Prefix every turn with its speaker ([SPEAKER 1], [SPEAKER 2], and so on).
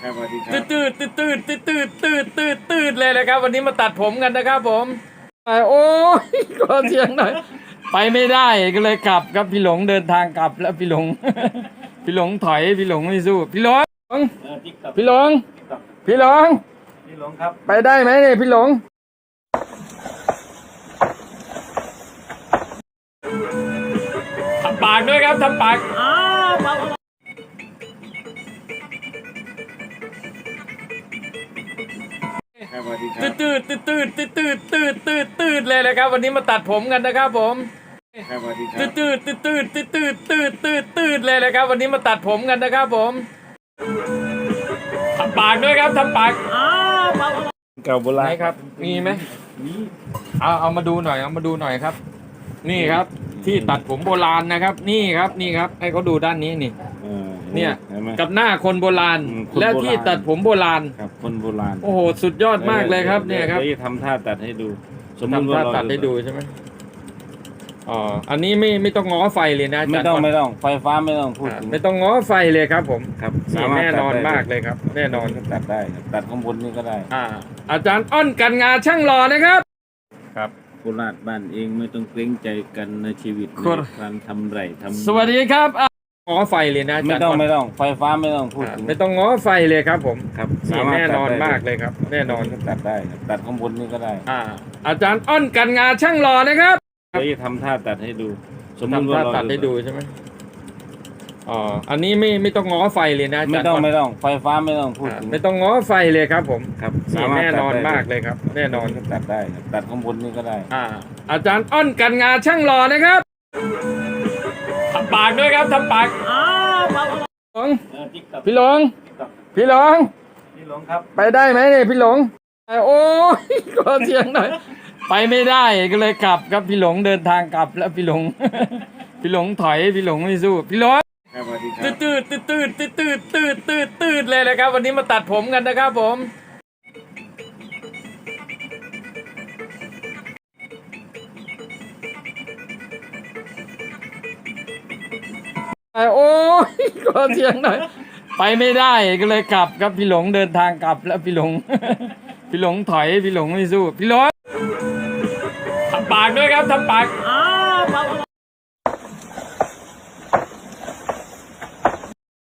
[SPEAKER 1] ครับสวัสดีครั
[SPEAKER 2] ตื
[SPEAKER 1] บ
[SPEAKER 2] ดตืดตืดตืดตืดตืดตืดตืดตืดเลยนะครับวันนี้มาตัดผมกันนะครับผมโอ้ยขอเสียงหน่อยไปไม่ได้ก็เลยกลับครับพี่หลงเดินทางกลับแล้วพี่หลง พี่หลงถอยพี่หลงไม่สู้พี่หลง พี่หลงพี่หลง
[SPEAKER 1] พี่หลงครับ
[SPEAKER 2] ไปได้ไหมเนี่ยพี่หลงทำปากด้วยครับทำปาก
[SPEAKER 1] ครับสวัสดีครั
[SPEAKER 2] ตื
[SPEAKER 1] บ
[SPEAKER 2] ดตืดตืดตืดตืดตืดตืดตืดเลยนะครับวันนี้มาตัดผมกันนะครับผม
[SPEAKER 1] ครับสวัสดีครั
[SPEAKER 2] ตื
[SPEAKER 1] บ
[SPEAKER 2] ดตืดตืดตืดตืดตืดตืดตืดเลยนะครับวันนี้มาตัดผมกันนะครับผมทำปากด้วยครับทำปาก
[SPEAKER 1] เก่าโบ
[SPEAKER 2] ไหน
[SPEAKER 1] ราณ
[SPEAKER 2] ครับมีไหม
[SPEAKER 1] นี่
[SPEAKER 2] เอามาดูหน่อยเอามาดูหน่อยครับ นี่ครับที่ตัดผมโบราณนะครับ นี่ครับนี่ครับให้เขาดูด้านนี้นี่ เนี่ย
[SPEAKER 1] เห็นไหม
[SPEAKER 2] กับหน้าคนโบราณ
[SPEAKER 1] คนโบราณ
[SPEAKER 2] และที่ตัดผมโบราณ
[SPEAKER 1] ครับคนโบราณ
[SPEAKER 2] โอ้โหสุดยอดมากเลยครับเนี่ยครับ
[SPEAKER 1] ดี๋วจะทำท่าตัดให้ดู
[SPEAKER 2] ทำท่าตัดให้ดูใช่ไหมอ๋ออันนี้ไม่ต้องง้อไฟเลยนะาจารย์
[SPEAKER 1] ไม่ต้องไฟฟ้าไม่ต้องพูดถึง
[SPEAKER 2] ไม่ต้องง้อไฟเลยครับผม
[SPEAKER 1] ครับ
[SPEAKER 2] นี่แน่นอนมากเลยครับ แน่นอน
[SPEAKER 1] ตัดได้ครับตัดข้างบนนี่ก็ได้
[SPEAKER 2] อาจารย์อ้อนกันงาช่างหล่อนะครับ ครับ
[SPEAKER 1] โคราชบ้านเองไม่ต้องเกรงใจกันในชีวิต
[SPEAKER 2] โคราช
[SPEAKER 1] ในการทำไรทำ
[SPEAKER 2] สวัสดีครับง้อไฟเลยนะา
[SPEAKER 1] ไม่
[SPEAKER 2] จารย์
[SPEAKER 1] ต้อง
[SPEAKER 2] อ้น
[SPEAKER 1] ไม่ต้องไฟฟ้าไม่ต้องพูดถึง
[SPEAKER 2] ไม่ต้องง้อไฟเลยครับผม
[SPEAKER 1] ครับ
[SPEAKER 2] นี่แน่นอนมากเลยครับ แน่นอน
[SPEAKER 1] ตัดได้ครับตัดข้างบนนี่ก็ได้
[SPEAKER 2] อาจารย์อ้อนกันงาช่างหล่อนะครับ
[SPEAKER 1] เดี๋ยวจะทำท่าตัดให้ดู
[SPEAKER 2] ทำท่าตัดให้ดูใช่ไหมอ๋ออันนี้ไม่ต้องง้อไฟเลยนะา
[SPEAKER 1] ไม่
[SPEAKER 2] จารย์
[SPEAKER 1] ต้อง
[SPEAKER 2] อ้น
[SPEAKER 1] ไม่ต้องไฟฟ้าไม่ต้องพูดถึง
[SPEAKER 2] ไม่ต้องง้อไฟเลยครับผม
[SPEAKER 1] ครับ
[SPEAKER 2] นี่แน่นอนมากเลยครับ แน่นอน
[SPEAKER 1] ตัดได้ครับตัดข้างบนนี่ก็ได้
[SPEAKER 2] อาจารย์อ้อนกันงาช่างหล่อนะครับทำปากด้วยครับทำปากพี่หลงพี่หลง
[SPEAKER 1] พี่หลงครับ
[SPEAKER 2] ไปได้ไหมเนี่ยพี่หลงโอ้ยขอเสียงหน่อยไปไม่ได้ก็เลยกลับครับพี่หลงเดินทางกลับแล้วพี่หลง พี่หลงถอยพี่หลงไม่สู้พี่หลง
[SPEAKER 1] ครับสวัสดีครั
[SPEAKER 2] ตื
[SPEAKER 1] บ
[SPEAKER 2] ดตืดตืดตืดตืดตืดตืดตืดเลยนะครับวันนี้มาตัดผมกันนะครับผมโอ้ยขอเสียงหน่อยไปไม่ได้ก็เลยกลับครับพี่หลงเดินทางกลับแล้วพี่หลง พี่หลงถอยพี่หลงไม่สู้พี่หลงทำปากด้วยครับทำปาก